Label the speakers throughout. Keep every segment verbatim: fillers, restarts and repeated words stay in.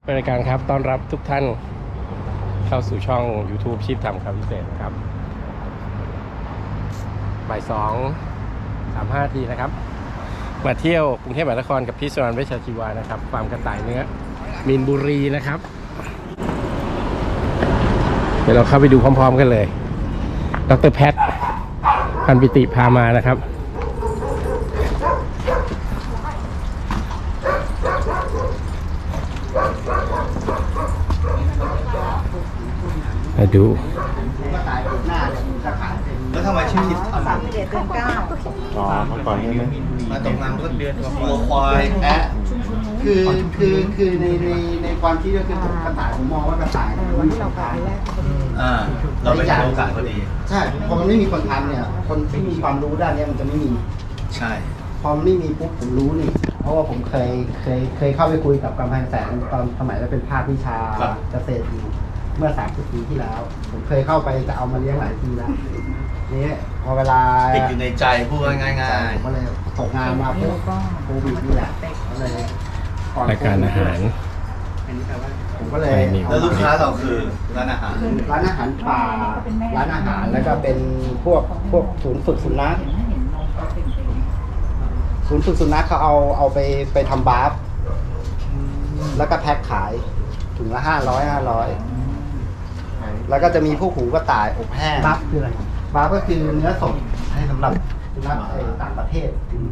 Speaker 1: รายการครับต้อนรับทุกท่านเข้าสู่ช่อง YouTube ชีพทำข่าวพิเศษครับบ่ายสองสามห้าทีนะครับมาเที่ยวกรุงเทพมหานครกับพี่สรานเวชชาชีวานะครับฟาร์มกระต่ายเนื้อมีนบุรีนะครับเดี๋ยวเราเข้าไปดูพร้อมๆกันเลยดร.แพทย์พันปิติพามานะครับมาดู
Speaker 2: แล้วทำไมชื่อคิดทำ
Speaker 3: สามสิบเอ็ดเดือนเก้า
Speaker 4: อ๋อเมื่อก่อนนี้ไหม
Speaker 2: มาตกงานก็เดือนวัวควายแพะ
Speaker 5: คือคือคือในในในความคิดก็คือกระต่ายผมมองว่ากระต่าย
Speaker 3: วันที่เราไปแรก
Speaker 2: อ่าเราไปโอกาสพอดี
Speaker 5: ใช่พอมันไม่มีคนทำเนี่ยคนที่มีความรู้ด้านนี้มันจะไม่มี
Speaker 2: ใช่
Speaker 5: พอมันไม่มีปุ๊บผมรู้นี่เพราะว่าผมเคยเคยเคยเข้าไปคุยกับกำแพงแสนตอนสมัยเราเป็นภาควิชาเกษตรอยู่เมื่อสามสิบปีที่แล้ว ผมเคยเข้าไปจะเอามาเลี้ยงหลายทีแล้วนี่พอเวลา
Speaker 2: ติดอยู่ในใจพูดง่ายๆ
Speaker 5: ผมก็เลยตกงานมาปุ๊บโควิดนี่แหละก็เลยก่อน
Speaker 1: รายการอาหาร
Speaker 5: ผมก็เลย
Speaker 2: แล้วลูกค้าเราคือร้านอาหาร
Speaker 5: ร้านอาหารป่าร้านอาหารแล้วก็เป็นพวกพวกศูนย์ฝึกสุนัขศูนย์ฝึกสุนัขเขาเอาเอาไปไปทำบาร์ฟแล้วก็แพ็คขายถุงละห้าร้อยห้าร้อยแล้วก็จะมีพวกหูกระต่ายอบแห้งบาร์ฟคืออะไรบาร์ฟก็คือเนื้อสดให้สำหรับสุนัขต่างประเทศ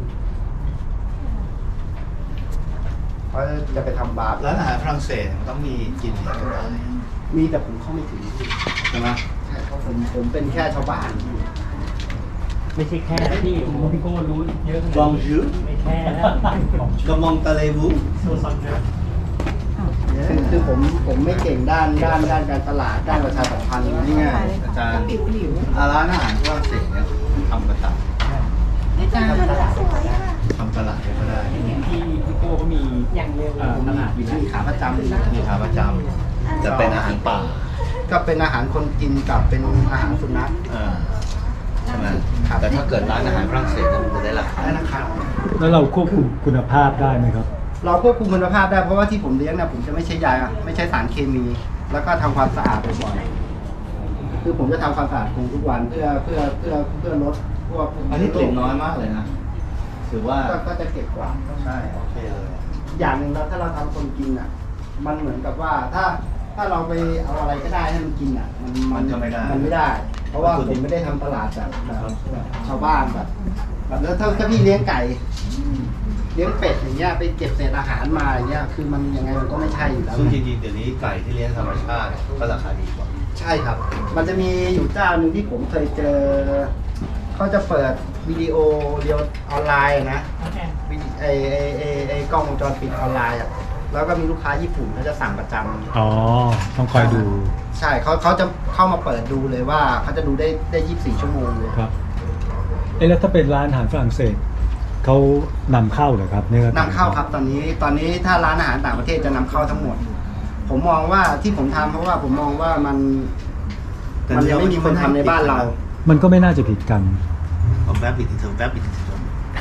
Speaker 5: เขาจะไปทำบาร์ฟ
Speaker 2: ร้านอาหารฝรั่งเศสมันต้องมีกินกันได้
Speaker 5: มีแต่ผมเข้าไม่ถึง
Speaker 2: ใช่ไหม
Speaker 5: ใช่เพราะผมผมเป็นแค่ชาวบ้าน
Speaker 4: ไม่ใช่แค่ที่ผมพี่โก้รู้เยอะ
Speaker 2: บองจูร์
Speaker 4: ไม่แค่นะ
Speaker 2: กระมองตะเลวู
Speaker 4: โซซอนเนอร์
Speaker 5: คือคือผมผมไม่เก่งด้านด้านด้านการตลาดด้านประชาสัมพันธ์นี่ไง
Speaker 2: อาจารย์อาร้านอาหารฝรั่งเศสเนี่ยทำกระต่าย
Speaker 3: อาจารย์สวยอ่ะ
Speaker 2: ทำตลาดก็ได้
Speaker 4: ที่พี่โก้เขามีอย่างเร็วตลาดอยู่
Speaker 5: มีขาประจำ
Speaker 2: มีขาประจำจะเป็นอาหารป่า
Speaker 5: ก็เป็นอาหารคนกินกับเป็นอาหารสุนัข
Speaker 2: อ่าใช่ไหมแต่ถ้าเกิดร้านอาหารฝรั่งเศสเนี่ยมันจะได้ราคา
Speaker 5: ได้นะครับ
Speaker 6: แล้วเราควบคุมคุณภาพได้ไหมครับ
Speaker 5: เราควบคุมคุณภาพได้เพราะว่าที่ผมเลี้ยงเนี่ยผมจะไม่ใช้ยาไม่ใช้สารเคมี แล้วก็ทำความสะอาดบ่อยๆคือผมจะทำความสะอาดคงทุกวันเพื่อเพื่อเพื่อเพื่อลดพวก
Speaker 2: อันนี้กลิ่นน้อยมากเลยนะถือว่า
Speaker 5: ก็ก็จะเก็บกวาด
Speaker 2: ใช่โอเคเลย
Speaker 5: อย่างหนึ่งแล้วถ้าเราทำคนกินอ่ะ มันเหมือนกับว่าถ้าถ้าเราไปเอาอะไรก็ได้ให้มันกินอ่ะ มัน
Speaker 2: มันจะไม่ได้
Speaker 5: มันไม่ได้ เพราะว่าผมไม่ได้ทำตลาดแบบแบบแบบชาวบ้านแบบแบบแล้วถ้าถ้าพี่เลี้ยงไก่ เลี้ยงเป็ดอย่างเงี้ยไปเก็บเศษอาหารมาอย่างเงี้ยคือมันยังไงมันก็ไม่ใช่อยู่แล้ว
Speaker 2: ซึ่งจริงๆเดี๋ยวนี้ไก่ที่เลี้ยงธรรมชาติก็ราคาดีกว่า
Speaker 5: ใช่ครับ มันจะมีอยู่เจ้าหนึ่งที่ผมเคยเจอเขาจะเปิดวิดีโอเดียวออนไลน์อะนะวิดีไอไอไอไอกล้องวงจรปิดออนไลน์อ่ะแล้วก็มีลูกค้าญี่ปุ่นเขาจะสั่งประจำ
Speaker 6: อ๋อ ต้องคอยดู
Speaker 5: ใช่เขาเขาจะเข้ามาเปิดดูเลยว่าเขาจะดูได้ได้ยี่สิบสี่ชั่วโมงเลย
Speaker 6: ครับ เอ๊ะแล้วถ้าเป็นร้านอาหารฝรั่งเศสเขานำเข้าเหรอครับเนื้อน
Speaker 5: ำเข้าครับตอนนี้ตอนนี้ถ้าร้านอาหารต่างประเทศจะนำเข้าทั้งหมด ผมมองว่าที่ผมทำเพราะว่าผมมองว่ามันมันยังไม่มีคนทำในบ้านเรา
Speaker 6: มันก็ไม่น่าจะผิดกัน
Speaker 2: เอาแวบอีกทีเถอะแวบอีกทีเถอะ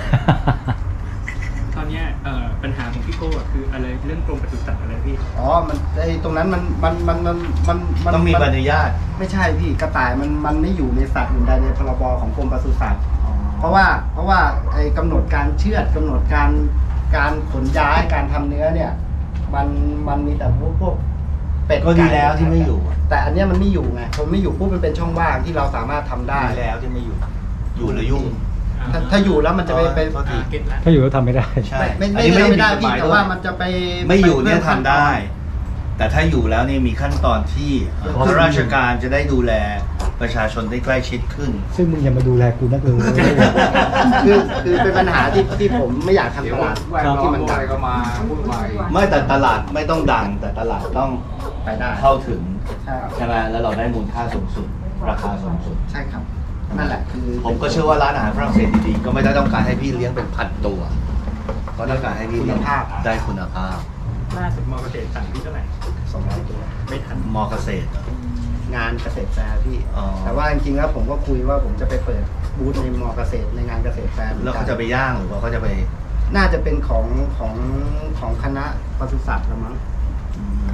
Speaker 4: ตอนนี้ปัญหาของพี่โก้คืออะไรเรื่องกรมปศุสัตว์อะไรพี่
Speaker 5: อ๋อ มันไอตรงนั้นมันมันมันมันมันมัน
Speaker 2: ต้องมีใบอนุญาต
Speaker 5: ไม่ใช่พี่กระต่ายมันมันไม่อยู่ในสัตว์อื่นใดในพรบของกรมปศุสัตว์เพราะว่าเพราะว่าไอ้กำหนดการเชือดกำหนดการการขนย้ายการทำเนื้อเนี่ย มันมันมีแต่พวกพวกเป็ด
Speaker 2: ก็ดีแล้วที่ไม่อยู่
Speaker 5: แต่อันเนี้ยมันไม่อยู่ไงผมไม่อยู่ปุ๊บมันเป็นช่องว่างที่เราสามารถทำได้
Speaker 2: ดีแล้วที่ไม่อยู่ อยู่แล้วยุ่ง
Speaker 5: ถ้าถ้าอยู่แล้วมันจะไปไป
Speaker 2: โทษที
Speaker 4: เก็ตละ
Speaker 6: ถ้าอยู่แล้วทำไม่ได้
Speaker 2: ใช่
Speaker 5: ไม่ไม่
Speaker 2: อัน
Speaker 5: ไม่
Speaker 2: นี้
Speaker 5: ไม่ได้
Speaker 2: ผิ
Speaker 5: พี่
Speaker 2: กฎหย
Speaker 5: แต่ว่ามันจะไป
Speaker 2: ไม่อยู่เนี่ย
Speaker 5: ป
Speaker 2: ทำได้ แต่ถ้าอยู่แล้วนี่มีขั้นตอนที่ข้าราชการจะได้ดูแลประชาชนได้ใกล้ชิดขึ้น
Speaker 6: ซึ่งมึงอย่ามาดูแลกูนักเลย
Speaker 5: คือคือเป็นปัญหาที่ที่ผมไม่อยากทำตลาดที่มันดัง
Speaker 2: ไม่แต่ตลาดไม่ต้องดัง แต่ตลาดต้อง
Speaker 5: ไปได้
Speaker 2: เข้าถึง
Speaker 5: ใช่ครับ
Speaker 2: ใช่ไหมแล้วเราได้มูลค่าสูงสุด ราคาสูงสุด
Speaker 5: ใช่ครับ นั่นแหละคือ
Speaker 2: ผมก็เชื่อว่าร้านอาหารฝรั่งเศสดีๆก็ไม่ได้ต้องการให้พี่เลี้ยงเป็นพันตัวก็ต้องการให้พี่เลี้ยงได้คุณภาพ
Speaker 4: ล่าสุดมอเกษตรสั่งพี่เท่าไหร่
Speaker 5: สองร้อยตัว
Speaker 4: ไม่ทัน
Speaker 2: มอเกษตรเหรอง
Speaker 5: านเกษตรแฟร์พี่
Speaker 2: อ๋อ
Speaker 5: แต่ว่าจริงๆแล้วผมก็คุยว่าผมจะไปเปิดบูธในมอเกษตรในงานเกษตรแฟร์
Speaker 2: แล้วเขาจะไปย่างหรือว่าเขาจะไป
Speaker 5: น่าจะเป็นของของของคณะปศุสัตว์ละมั้ง
Speaker 2: อืม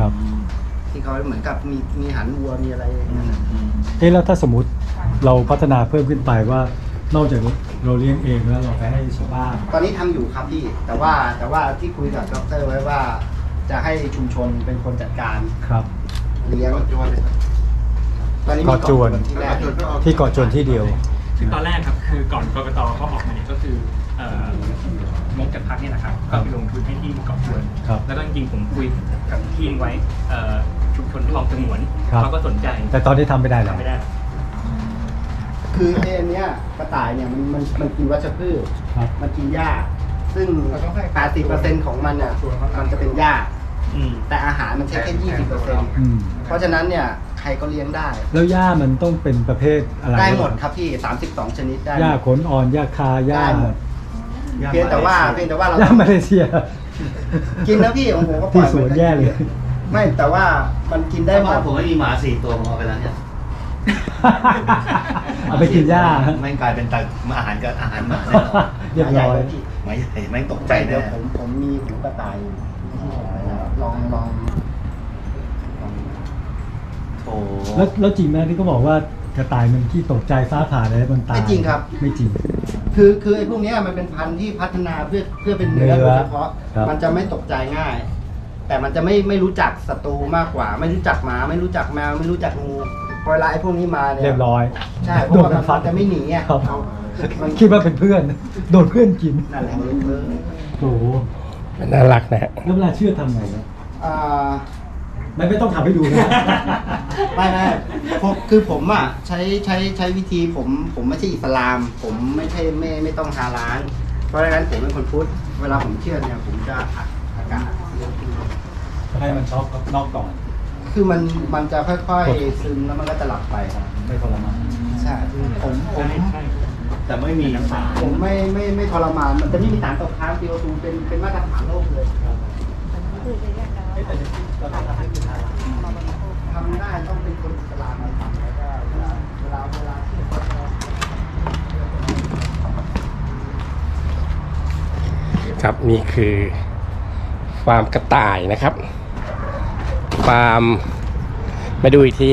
Speaker 5: เขาเหมือนกับมีมีหันวัวมีอะไรอย่างเงี้ยนะ
Speaker 6: เอ๊ะแล้วถ้าสมมติเราพัฒนาเพิ่มขึ้นไปว่านอกจากเราเลี้ยงเองแล้วเราไปให้ชาวบ้าน
Speaker 5: ตอนนี้ทำอยู่ครับพี่ แต่ว่าแต่ว่าที่คุยกับดรไว้ว่า จะให้ชุมชนเป็นคนจัดการ
Speaker 6: ครับ
Speaker 5: เลี้ยงตอนนี้มี
Speaker 6: เกาะจวน
Speaker 5: ที่แรก
Speaker 6: ที่เกาะจวนที่เดียว
Speaker 4: คือตอนแรกครับคือก่อนกกตเขาออกมาเนี่ยก็คือเอ่องบจากพรรคเนี่ยนะครับก็ไปลงทุนให้ที่เกาะจวน
Speaker 6: ครับ
Speaker 4: แล้วก็จริงๆผมคุยกับที่ไว้เอ่อชุมชนคลองสงวน
Speaker 6: ครับ
Speaker 4: เขาก็สนใจ
Speaker 6: แต่ตอนนี้ทำไม่ได้แล้ว
Speaker 4: ทำไม่ได้
Speaker 5: คือไอ้อันเนี้ยกระต่ายเนี่ยมันมันมันกินวัชพืช
Speaker 6: ครับ
Speaker 5: มันกินหญ้า ซึ่ง แปดสิบเปอร์เซ็นต์ ของมันอ่ะมันจะเป็นหญ้า
Speaker 4: อืม
Speaker 5: แต่อาหารมันใช้แค่ ยี่สิบเปอร์เซ็นต์
Speaker 6: อืม
Speaker 5: เพราะฉะนั้นเนี่ยใครก็เลี้ยงได้
Speaker 6: แล้วหญ้ามันต้องเป็นประเภทอะไร
Speaker 5: ได้หมดครับพี่ สามสิบสอง ชนิดได้
Speaker 6: หญ้าขนอ่อนหญ้าคาหญ้า
Speaker 5: ได้หมด เพียงแต่ว่าเพียงแต่ว่าเรา
Speaker 6: หญ้ามาเลเซีย
Speaker 5: กินนะพี่ของผมก็ปล่
Speaker 6: ที่
Speaker 5: อย
Speaker 6: สวนแย่เลย
Speaker 5: ไม่แต่ว่ามันกินได้
Speaker 2: ได้
Speaker 5: หม
Speaker 2: บ้าน
Speaker 5: ด
Speaker 2: ผมไม่มีหมาสี่ตัวผมเอาไปแล้วเนี่ย
Speaker 6: เอาไปกินหญ้า
Speaker 2: ไม่งกลายเป็นตักอาหารกับอาหารหมาแน่นอน
Speaker 6: เรียบร้อย
Speaker 2: หมาใหญ่แม่งตกใจ
Speaker 5: เดี๋ย
Speaker 2: แน่
Speaker 5: วผมผมมีหูกระต่ายอยู่ที่ผมไปแล้วลองลองลอง
Speaker 2: โอ้
Speaker 6: แล้วแล้วจริงไหมที่เขาบอกว่ากระต่ายมันที่ตกใจฟ้าผ่าอะไรมันตาย
Speaker 5: ไม่จริงครับ
Speaker 6: ไม่จริง
Speaker 5: คือคือไอ้พวกเนี้ยมันเป็นพันธุ์ที่พัฒนาเพื่อเพื่อเป็นเนื้อ
Speaker 6: เนื้
Speaker 5: โด
Speaker 6: อย
Speaker 5: เฉพาะ
Speaker 6: ครับ
Speaker 5: มันจะไม่ตกใจง่าย แต่มันจะไม่ไม่รู้จักศัตรูมากกว่า ไม่รู้จักหมา ไม่รู้จักแมว ไม่รู้จักงูพอเวลาไอ้พวกนี้มาเนี่ย
Speaker 6: เรียบร้อย
Speaker 5: ใช่เพราะว่ามันมันจะไม่หนีอ่ะ
Speaker 6: ครับ
Speaker 5: มัน
Speaker 6: คิดว่าเป็นเพื่อน โดนเพื่อนกิน
Speaker 5: นั่นแหละมันเลย
Speaker 6: โอ้โห
Speaker 1: มันน่ารักนะฮะ
Speaker 6: แล้วเวลาเชื่อทำไงนะ
Speaker 5: อ่า
Speaker 6: ไม่ไม่ต้องทำให้ดูนะ
Speaker 5: ไม่ไม่ผมคือผมอ่ะใช้ใช้ใช้วิธีผมผมไม่ใช่อิสลาม ผมไม่ใช่ไม่ไม่ต้องฮาลาลเพราะฉะนั้นผมเป็นคนพุทธเวลาผมเชื่อเนี่ยผมจะอัดอากาศ
Speaker 6: ให้มันช็อกนอกก่อน
Speaker 5: คือมันมันจะค่อยๆซึมแล้วมันก็จะหลับไปครับ
Speaker 6: ไม่ทรมาน
Speaker 5: ใช่ผมผม
Speaker 2: แต่ไม่มีน้ำตา
Speaker 5: ผมไม่ไม่ไม่ทรมานมันจะไม่มีสารตกค้าง ซี โอ ทู เป็นเป็นมาตรฐานโลกเลยทำได้ต้องเป็นคนอิสลามมาทำแล้วก็เวลาเวลาเวลาที่เขา
Speaker 1: ครับนี่คือฟาร์มกระต่ายนะครับ ฟาร์มมาดูอีกที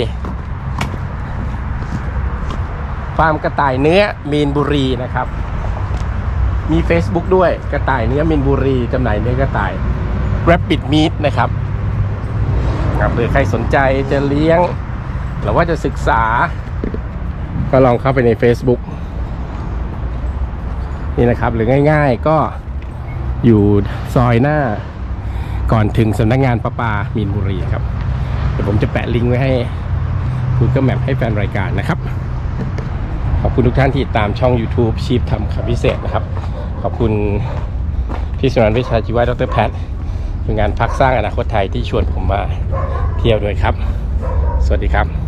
Speaker 1: ฟาร์มกระต่ายเนื้อมีนบุรีนะครับ มี Facebook ด้วยกระต่ายเนื้อมีนบุรีจำหน่ายเนื้อกระต่าย Rabbit Meat นะครับครับหรือใครสนใจจะเลี้ยงหรือว่าจะศึกษา ก็ลองเข้าไปใน Facebook นี่นะครับหรือง่ายๆก็อยู่ซอยหน้าก่อนถึงสำนักงานประปามีนบุรีครับเดี๋ยวผมจะแปะลิงก์ไว้ให้ Google Map ให้แฟนรายการนะครับขอบคุณทุกท่านที่ติดตามช่อง YouTube ชีพทำคำพิเศษนะครับขอบคุณพี่สุนันท์เวชชาชีวะดรแพทย์เป็นงานพักสร้างอนาคตไทยที่ชวนผมมาเที่ยวด้วยครับสวัสดีครับ